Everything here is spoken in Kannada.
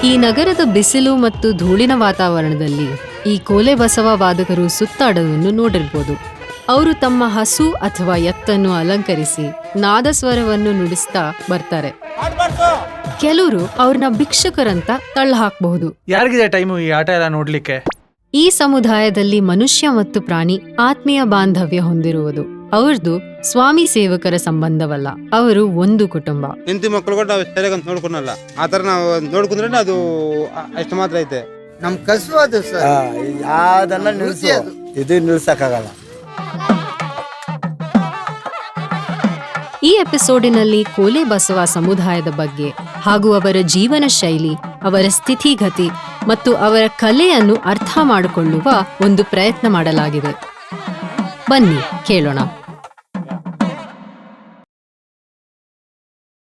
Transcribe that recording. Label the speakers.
Speaker 1: ಈ ನಗರದ ಬಿಸಿಲು ಮತ್ತು ಧೂಳಿನ ವಾತಾವರಣದಲ್ಲಿ ಈ ಕೋಲೆ ಬಸವ ವಾದಕರು ಸುತ್ತಾಡೋದನ್ನು ನೋಡಿರ್ಬೋದು. ಅವರು ತಮ್ಮ ಹಸು ಅಥವಾ ಎತ್ತನ್ನು ಅಲಂಕರಿಸಿ ನಾದಸ್ವರವನ್ನು ನುಡಿಸ್ತಾ ಬರ್ತಾರೆ. ಕೆಲವರು ಅವ್ರನ್ನ ಭಿಕ್ಷುಕರಂತ ತಳ್ಳ ಹಾಕಬಹುದು.
Speaker 2: ಯಾರಿಗಿದೆ ಟೈಮು ಈ ಆಟ ಎಲ್ಲ ನೋಡ್ಲಿಕ್ಕೆ?
Speaker 1: ಈ ಸಮುದಾಯದಲ್ಲಿ ಮನುಷ್ಯ ಮತ್ತು ಪ್ರಾಣಿ ಆತ್ಮೀಯ ಬಾಂಧವ್ಯ ಹೊಂದಿರುವುದು. ಅವ್ರದ್ದು ಸ್ವಾಮಿ ಸೇವಕರ ಸಂಬಂಧವಲ್ಲ, ಅವರು ಒಂದು ಕುಟುಂಬ.
Speaker 3: ಹೆಂಡತಿ ಮಕ್ಕಳು ಕೂಡ ನಾವು ಸರಿಯಾಗಿ ನೋಡ್ಕೊಳಲ್ಲ. ಆ ತರ ನಾವು ನೋಡ್ಕೊಂಡ್ರೆ ಅದು ಅಷ್ಟು ಮಾತ್ರ ಐತೆ.
Speaker 4: ನಮ್ ಕಸು ಅದು
Speaker 5: ಯಾವ್ದನ್ನ ಇದು ನಿಲ್ಸಕ್ಕಾಗಲ್ಲ.
Speaker 1: ಈ ಎಪಿಸೋಡಿನಲ್ಲಿ ಕೋಲೆ ಬಸವ ಸಮುದಾಯದ ಬಗ್ಗೆ ಹಾಗೂ ಅವರ ಜೀವನ ಶೈಲಿ, ಅವರ ಸ್ಥಿತಿಗತಿ ಮತ್ತು ಅವರ ಕಲೆಯನ್ನು ಅರ್ಥ ಮಾಡಿಕೊಳ್ಳುವ ಒಂದು ಪ್ರಯತ್ನ ಮಾಡಲಾಗಿದೆ. ಬನ್ನಿ ಕೇಳೋಣ.